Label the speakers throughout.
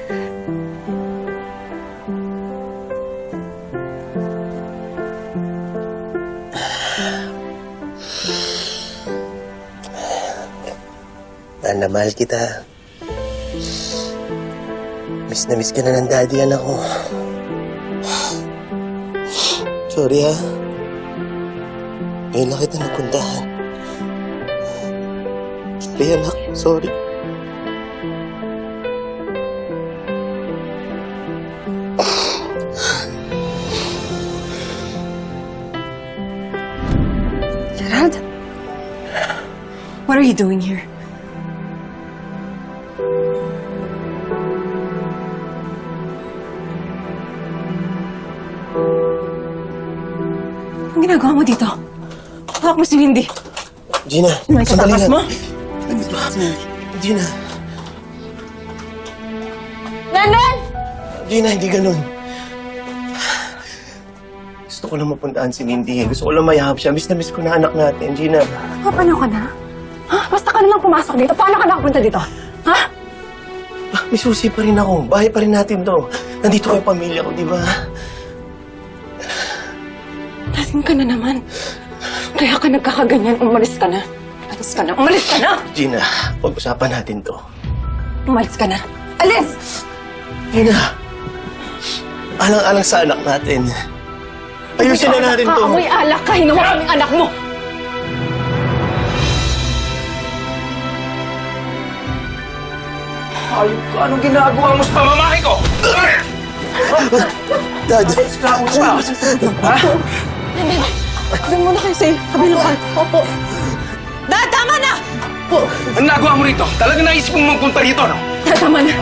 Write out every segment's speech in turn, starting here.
Speaker 1: Mahal na mahal kita. Miss na miss ka na ng daddy, anak ko. Sorry, ha? Ngayon lang kita napuntahan. Sorry, anak. Sorry.
Speaker 2: Gerald? What are you doing here? Anong ginagawa mo dito? Hawak mo si Mindy.
Speaker 1: Gina,
Speaker 2: Ano yung
Speaker 1: sandali
Speaker 2: katakas
Speaker 1: lang.
Speaker 2: mo?
Speaker 1: Gina.
Speaker 2: Brandon!
Speaker 1: Gina, hindi ganun. Gusto ko lang mapuntaan si Mindy. Gusto ko lang mayahap siya. Miss na miss ko na anak natin, Gina.
Speaker 2: Paano ka na? Ha? Basta ka na lang pumasok dito. Paano ka nakapunta dito? Ha?
Speaker 1: May susi pa rin ako. Bahay pa rin natin to. Nandito kayo pamilya ko, di ba?
Speaker 2: Lasing ka na naman. Kaya ka nagkakaganyan. Umalis ka na. Umalis ka na. Umalis ka na!
Speaker 1: Gina, pag-usapan natin to.
Speaker 2: Umalis ka na. Alis!
Speaker 1: Gina, alang-alang sa anak natin. Ayusin na natin to.
Speaker 2: Amoy alak ka. Hinawa kaming anak mo.
Speaker 3: Ayun ka, anong ginagawa mo sa pamamahay ko?
Speaker 1: Dad.
Speaker 3: Esklamo ka. Ha?
Speaker 2: Doon muna kayo sa kabilang part. Opo. Dad, tama na!
Speaker 3: Anong nagawa mo rito? Talagang naisip mong magpunta rito, no?
Speaker 2: Dad, tama na.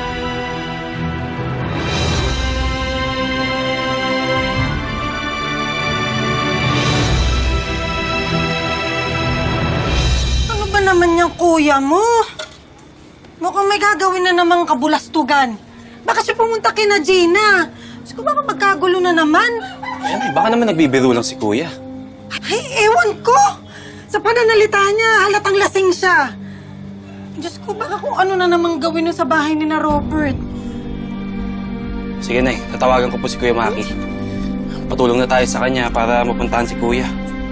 Speaker 4: Ano ba naman yung kuya mo? Mukhang may gagawin na namang kabulastugan. Baka siya pumunta kina Gina. Diyos ko, baka magkagulo na naman.
Speaker 5: Ay, baka naman nagbibiro lang si Kuya.
Speaker 4: Ay, ewan ko. Sa pananalita niya, halatang lasing siya. Diyos ko, baka kung ano na namang gawin nun sa bahay ni na Robert.
Speaker 5: Sige, Nay. Tatawagan ko po si Kuya Maki. Patulong na tayo sa kanya para mapuntahan si Kuya.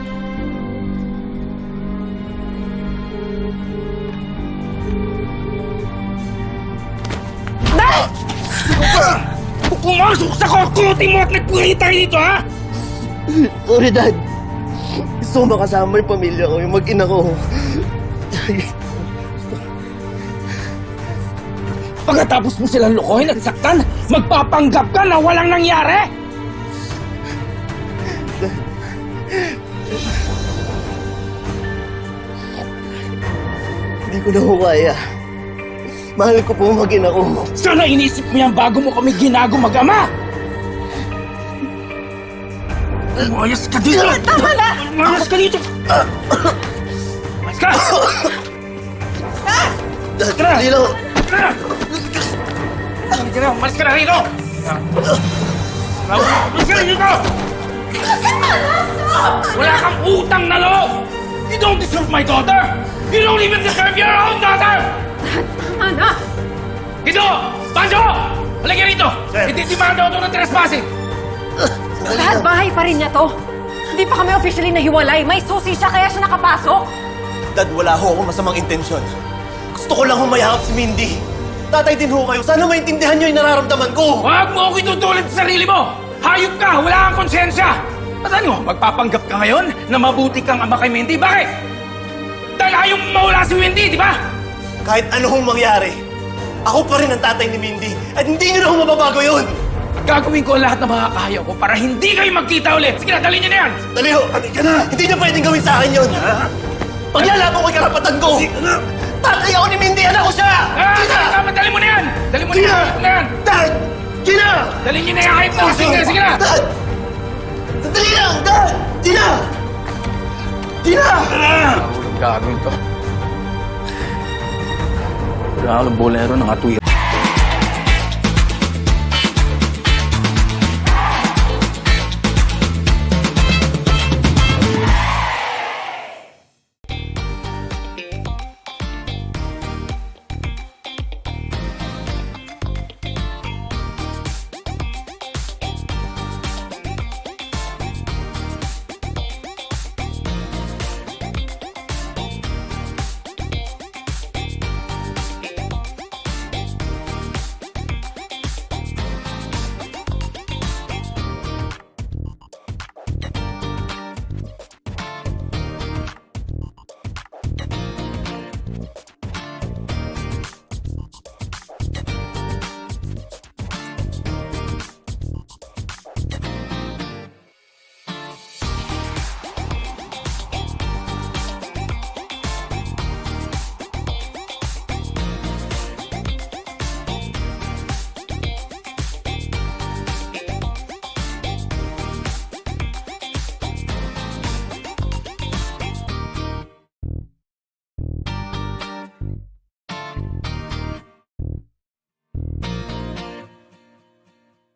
Speaker 3: Pumasok sa kokote mo at nagpuri tayo dito, ha?
Speaker 1: Sorry, Dad. Gusto ko makasama yung pamilya ko, yung mag-ina ko.
Speaker 3: Pagkatapos mo silang lokohin at saktan, magpapanggap ka na walang nangyari?
Speaker 1: Hindi ko na ho kaya. Mahal ko po mag-ina ko.
Speaker 3: Sana inisip mo yan bago mo kami ginago mag-ama! Umayos ka dito!
Speaker 4: Tama na!
Speaker 3: Umayos ka dito! Umayos ka!
Speaker 1: Dad,
Speaker 3: Tara!
Speaker 1: hindi lang.
Speaker 3: Umayos ka na rito! Umayos ka na dito! Wala kang utang na loob! You don't deserve my daughter! You don't even deserve your own daughter!
Speaker 2: Tama na!
Speaker 3: Dito! Banjo! Halika rito! Ititimanda ko ito ng trespassing!
Speaker 2: Lahat bahay pa rin niya to. Hindi pa kami officially nahiwalay. May susi siya kaya siya nakapasok.
Speaker 1: Dad, wala ho akong masamang intensyon. Gusto ko lang humayahap si Mindy. Tatay din ho kayo. Sana maintindihan niyo yung nararamdaman ko.
Speaker 3: Huwag mo ako itutulad sa sarili mo! Hayop ka! Wala kang konsensya! At ano, magpapanggap ka ngayon na mabuti kang ama kay Mindy? Bakit? Dahil ayaw mo mawala si Mindy, di ba?
Speaker 1: Kahit ano hong mangyari, ako pa rin ang tatay ni Mindy. At hindi niyo na ho mababago yun.
Speaker 3: At gagawin ko ang lahat ng makakaya ko para hindi kayo magkita ulit. Sige na, dalhin niyo na yan!
Speaker 1: Dali ho. Halika na. Hindi niyo pwedeng gawin sa akin yun. Paglalaban ko yung karapatan ko. Tatay ako ni Mindy. Anak ko siya. Gina!
Speaker 3: Tama, dali mo na yan! Dali mo na
Speaker 1: Gina!
Speaker 3: yan! Dali mo na yan!
Speaker 1: Dad! Gina!
Speaker 3: Dalhin niyo na yan kahit po! Sige na, sige na!
Speaker 1: Dad! Sandali lang! Dad! Gina! Gina!
Speaker 3: Gagawin to. Wala ka ng bolero ng atuya.